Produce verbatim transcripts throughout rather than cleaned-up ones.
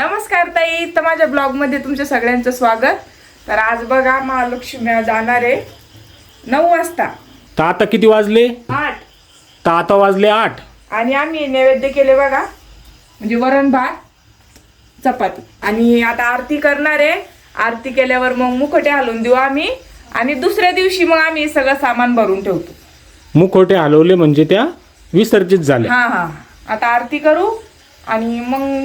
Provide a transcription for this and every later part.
नमस्कार ताई, तर माझ्या ब्लॉग मध्ये तुमच्या सगळ्यांचं स्वागत। तर आज बघा महालक्ष्मी जाणार आहे नऊ वाजता। तर आता किती वाजले? आठ। तर आता वाजले आठ आणि आम्ही नैवेद्य केले बघा, म्हणजे वरण भात चपाती। आणि आता आरती करणार आहे। आरती केल्यावर मग मुखटे हलवून देऊ आम्ही, आणि दुसऱ्या दिवशी मग आम्ही सगळं सामान भरून ठेवतो। मुखोटे हलवले म्हणजे त्या विसर्जित झाल्या। हा हा आता आरती करू आणि मग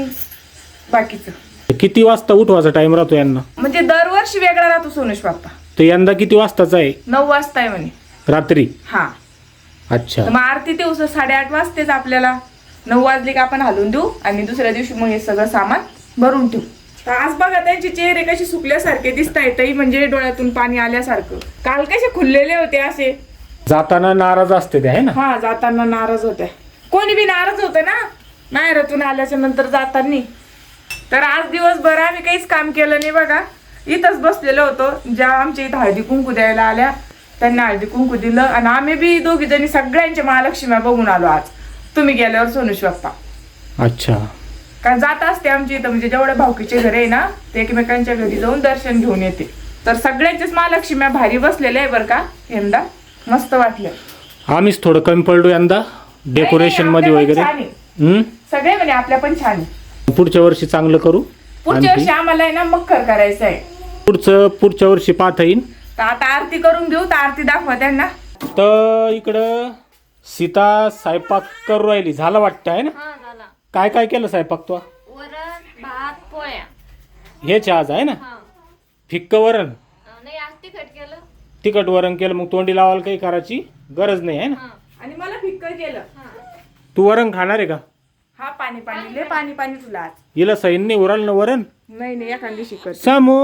बाकीचं। किती वाजता उठवायचा टाइम राहतो यांना? म्हणजे दरवर्षी वेगळा राहतो सोनुष बाप्पा। तर यंदा किती वाजताचा आहे? नऊ वाजता आहे म्हणे रात्री। हा अच्छा, तर मग आरती दिवस साडेआठ वाजतेच आपल्याला। नऊ वाजले का आपण हलवून देऊ आणि दुसऱ्या दिवशी मग हे सगळं सामान भरून ठेवू। तर आज बघा त्यांचे चेहरे कसे सुकल्यासारखे दिसत आहेत, म्हणजे डोळ्यातून पाणी आल्यासारखं। काल कसे खुललेले होते असे। जाताना नाराज असते ते आहे ना? हा जाताना नाराज होते, कोणी बी नाराज होतं ना माहेरातून आल्याच्या नंतर जाताना। तर आज दिवसभर आम्ही काहीच काम केलं नाही बघा, इथंच बसलेलो होतो। ज्या आमच्या इथं हळदी कुंकू द्यायला आल्या त्यांना हळदी कुंकू दिलं, आणि आम्ही बी दोघी जणी सगळ्यांच्या महालक्ष्म्या बघून आलो आज तुम्ही गेल्यावर सोनुष बाप्पा। अच्छा, कारण जात असते आमच्या इथं, म्हणजे जेवढे भाऊकीचे घर आहे ना ते एकमेकांच्या घरी जाऊन दर्शन घेऊन येते। तर सगळ्यांच्याच महालक्ष्म्या भारी बसलेल्या आहे बरं का, यंदा मस्त वाटलं। आम्हीच थोडं कमी पडलो यंदा डेकोरेशन मध्ये वगैरे। हम्म सगळे म्हणे आपल्या पण छान आहे। पुढच्या वर्षी चांगलं करू। पुढच्या वर्षी आम्हाला आहे ना मखर करायचं आहे। पुढचं पुढच्या वर्षी पाहता येईल। तर आता आरती करून घेऊ, तर आरती दाखवा त्यांना। तर इकडं सीता स्वयंपाक करू राहिली, झालं वाटतं आहे ना? हा झाला। काय काय केलं स्वयंपाक तो? वरण भात पोळ्या। हेच आज आहे ना? हा फिक्क वरण? नाही आज तिखट केलं। तिखट वरण केलं, मग तोंडी लावायला काही करायची गरज नाही आहे ना? हा आणि मला फिक्क केलं। हा तू वरण खाणार आहे का? हा पाणी पाणी ले पाणी पाणी तुला आज। हिला सैन नाही उराल ना वरण? नाही नाही एखादी शिकत। समू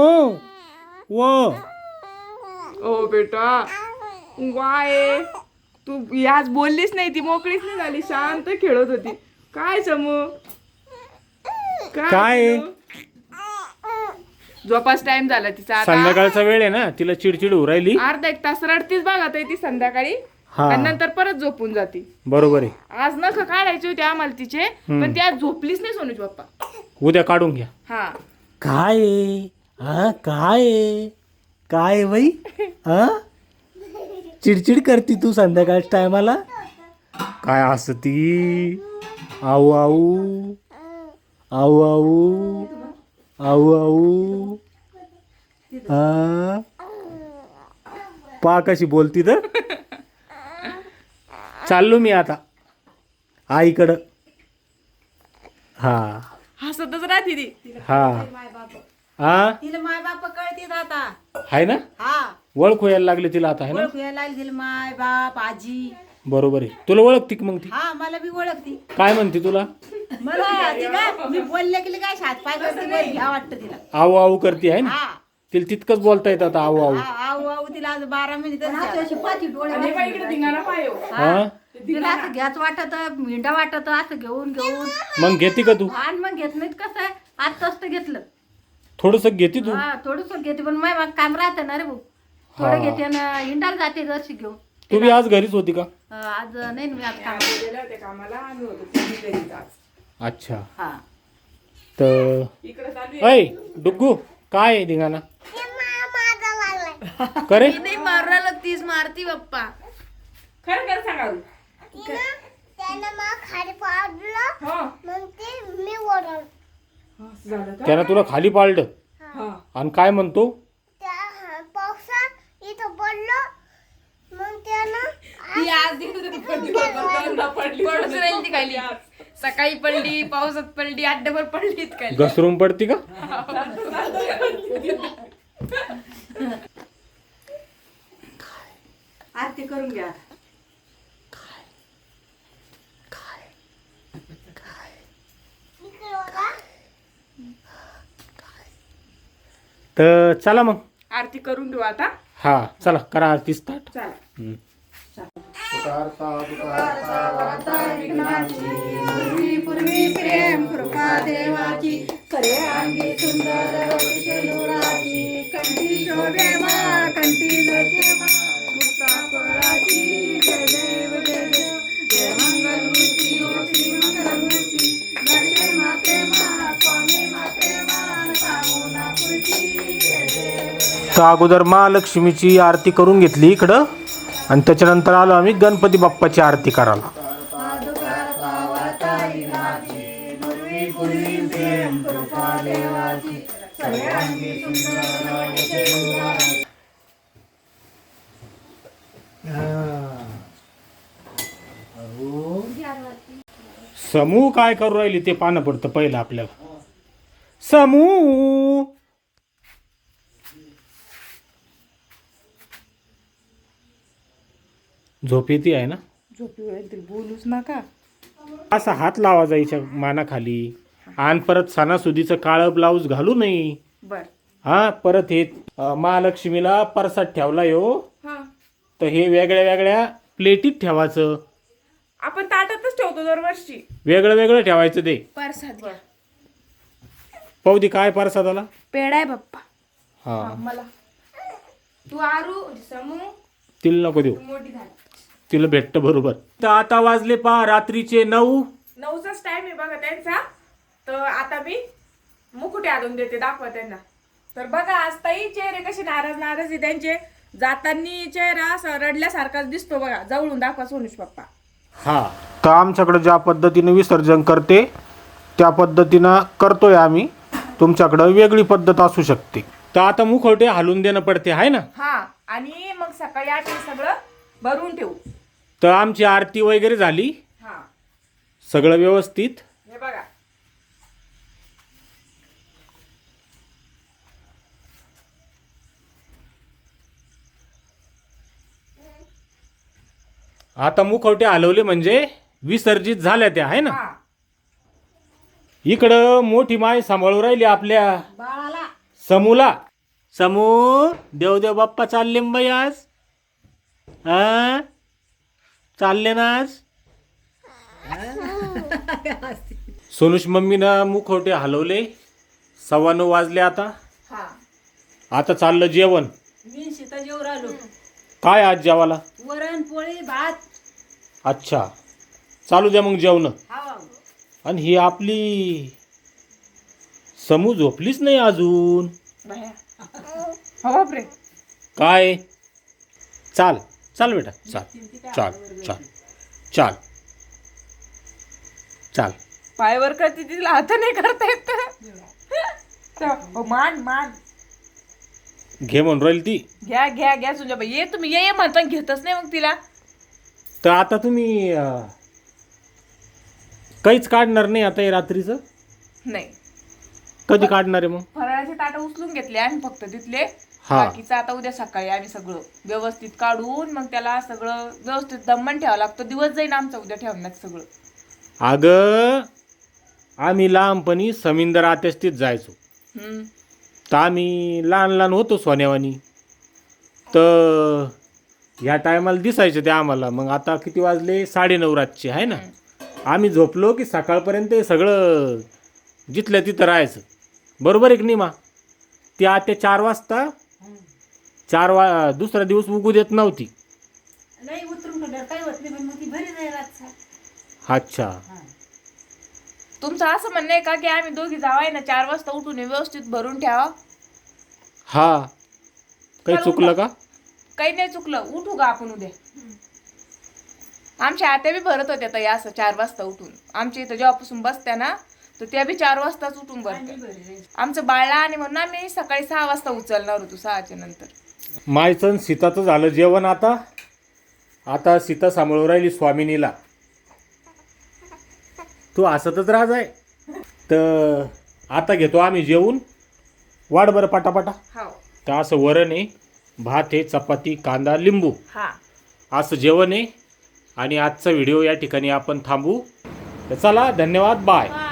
वो ओ बेटा वाय, तू आज बोललीच नाही, ती मोकळीच नाही झाली, शांत खेळत होती। काय समू काय? झोपास टाइम झाला तिचा आता। संध्याकाळचा वेळ आहे ना, तिला चिडचिड होऊ राहिली। अर्धा एक तास रडतीच बघा ताई ती संध्याकाळी, हा आणि नंतर परत झोपून जाते। बरोबर आहे। आज नख काढायचे होते आम्हाला तिचे, पण ती आज झोपलीच नाही सोनूच बाप्पा। उद्या काढून घ्या। हा काय आहे? हा काय आहे? काय आहे बाई? हा चिडचिड करती तू संध्याकाळच्या टायमाला? काय हसती? आऊ आऊ आऊ आऊ आऊ आऊ हा पा कशी बोलती तर। चाललो मी आता आईकडं। हा हसतच राहते ती। हा हा तिला माय बाप कळते आता। आहे ना? हा ओळख यायला लागली तिला आता आहे ना? ओळख यायला लागली तिला माय बाप आजी। बरोबर आहे। तुला ओळखती का मग ती? हा मला बी ओळखती। काय म्हणते तुला? मला ती काय मी बोलले की काय हात पाय करते बरं घ्या वाटतं तिला। आऊ आऊ करते आहे ना? हा तिला तितकंच बोलता येत आता आऊ आऊ। आ- आऊ आऊ तिला आज बारा मिनिट अशी पाठी डोळे आणि बाई इकडे धिंगाणा पायो। हा तिला असं घ्याच वाटत मिंडा वाटत असं घेऊन घेऊन, मग घेते का तू? आणि मग घेत नाहीत कसं आहे आज तसं घेतलं। थोडस घेते तू? हा थोडस घेते, पण माय काम राहतं ना रे भाऊ, हा. थोडं घेते ना हिंडाला जाते जशी घेऊन। तू बी आज घरीच होती का? अं, आज नाही ना मी आज काम। गेले होते कामाला, आम्ही होतो तिघी घरीच आज। अच्छा, हा तर इकडे चालू आहे। ऐ डुग्गू काय आहे धिंगाणा करे? नाही मारायला तीच मारती बाप्पा। खरं खरं सांगा तू। त्यानं मग खाली पाडलं हा मग ते मी ओरडलो. हा, असं झालं का? त्यानं तुला खाली पाळलं हा आणि काय म्हणतो? त्या पावसात इथं पडलो मग त्यानं ती आज पडून राहिली ती खाली, सकाळी पडली, पावसात पडली, अड्ड्यावर पडली खाली। घसरून पडती का? आरती करून घ्या। इकडे बघा. तर चला मग आरती करून देऊ आता। हा चला करा आरती स्टार्ट। चला पूर्वी प्रेम कृपा देवाची, खरे अंगी सुंदर शेनुराची, कंठी शोभे मा कंठी नके मा, मुक्ता फळाची जय देव जय देव, जय मंगल मूर्ती ओ श्री मंगल मूर्ती, दर्शन माते मा स्वामी माते तर अगोदर महालक्ष्मीची आरती करून घेतली इकडं आणि त्याच्यानंतर आलो आम्ही गणपती बाप्पाची आरती करायला. समूह काय करू राहिली ते पाहणं पडतं पहिलं आपल्याला. समूह झोप येते आहे ना. झोपी होईल बोलूच नका. असा हात लावा जायच्या मानाखाली आणि परत सणासुदीचं काळं ब्लाऊज घालू नये. बर. हा परत हे अं, महालक्ष्मीला परसात ठेवला यो हा तर हे वेगळ्या वेगळ्या प्लेटीत ठेवायचं. आपण ताटातच ठेवतो दरवर्षी. वेगळं वेगळं ठेवायचं ते. परसाद घ्या. पाहू काय परसादाला. पेढा आहे बाप्पा. हा मला तू आरू समू तिला नको देऊ, मोठी झाली. तिला भेटतं बरोबर. तर आता वाजले पहा रात्रीचे नऊ. नऊचाच टाइम आहे बघा त्यांचा. तर आता मी मुकुटे आणून देते, दाखवा त्यांना. तर बघा आज ताई चेहरे कसे नाराज नाराज आहे त्यांचे. जातानी चेहरा असा रडल्यासारखाच दिसतो बघा. जवळून दाखवा सोनुष पप्पा. हा तर आमच्याकडे ज्या पद्धतीने विसर्जन करते त्या पद्धतीनं करतोय आम्ही. तुमच्याकडं वेगळी पद्धत असू शकते. तर आता मुखवटे हलवून देणं पडते आहे ना. हा आणि मग सकाळी आठ सगळं भरून ठेवू. तर आमची आरती वगैरे झाली, हा सगळं व्यवस्थित. हे बघा. आता मुखवटे हलवले म्हणजे विसर्जित झाल्या त्या आहे ना. हा इकडं मोठी माय सांभाळू राहिली आपल्या बाळाला समूला. समू देवदेव बाप्पा चालले न बाई आज. हा चालले ना आज. सोनुष मम्मीनं मुखवटे हलवले. सव्वा नऊ वाजले आता. हा आता चाललं जेवण. मी सीता जेवर आलो. काय आज जेवाला. वरण पोळी भात. अच्छा चालू द्या मग जेवण. हा आणि ही आपली समू झोपलीच नाही अजून. बाया. हो बापरे. काय चाल चाल बेटा चाल चाल चाल चाल चाल. पायवर करते तिला हात नाही करता येत. तर, हो, मान मान घे म्हणून राहील ती. घ्या घ्या घ्या सुंजा बाई. ये तुम्ही ये ये म्हणता घेतच नाही मग तिला. तर आता तुम्ही अं, काहीच काढणार नाही आता हे रात्रीचं. नाही कधी काढणार आहे मग. फराळाचे ताट उचलून घेतले आम्ही फक्त तिथले. हा. बाकीचं आता उद्या सकाळी आम्ही सगळं व्यवस्थित काढून मग त्याला सगळं व्यवस्थित दमन ठेवावं लागतं. दिवस जाईन आमचा उद्या ठेवण्यात सगळं. अगं आम्ही लहानपणी समिंदर आत्यास्तीत जायचो. हम्म. तर आम्ही लहान लहान होतो सोन्यावानी. तर ह्या टायमाला दिसायचं ते आम्हाला. मग आता किती वाजले साडेनऊ रातचे आहे ना. आम्ही झोपलो की सकाळपर्यंत हे सगळं जिथल्या तिथं राहायचं. बरोबर आहे की नाही मा. ती आत्या चार वाजता चार वा दुसरा दिवस उगू देत नव्हती. नाही उतरून पडल्यावर काय होत नाही पण मग ती भरी जाईल रातचा. अच्छा तुमचं असं म्हणणं आहे का की आम्ही दोघी जावाय ना चार वाजता उठून हे व्यवस्थित भरून ठेवा. हा काही चल चुकलं उठा. का. काही नाही चुकलं. उठू का आपण उद्या. आमच्या आत्या बी भरत होत्या ताई असं चार वाजता उठून. आमच्या इथं जेव्हापासून बसत्या ना तर त्या बी चार वाजताच उठून भरत्या. आमचं बाळला आणि म्हणून आम्ही सकाळी सहा वाजता उचलणार होतो. सहाच्या नंतर. मायचं सीताचं झालं जेवण. आता आता सीता सांभाळू राहिली स्वामिनीला. तू हसतच राहत आहे. तर आता घेतो आम्ही जेवून. वाढ बरं पटापटा. हो. तर असं वरण आहे, भात आहे, चपाती, कांदा, लिंबू हा असं जेवण आहे. आणि आजचा व्हिडिओ या ठिकाणी आपण थांबू. तर चला धन्यवाद. बाय.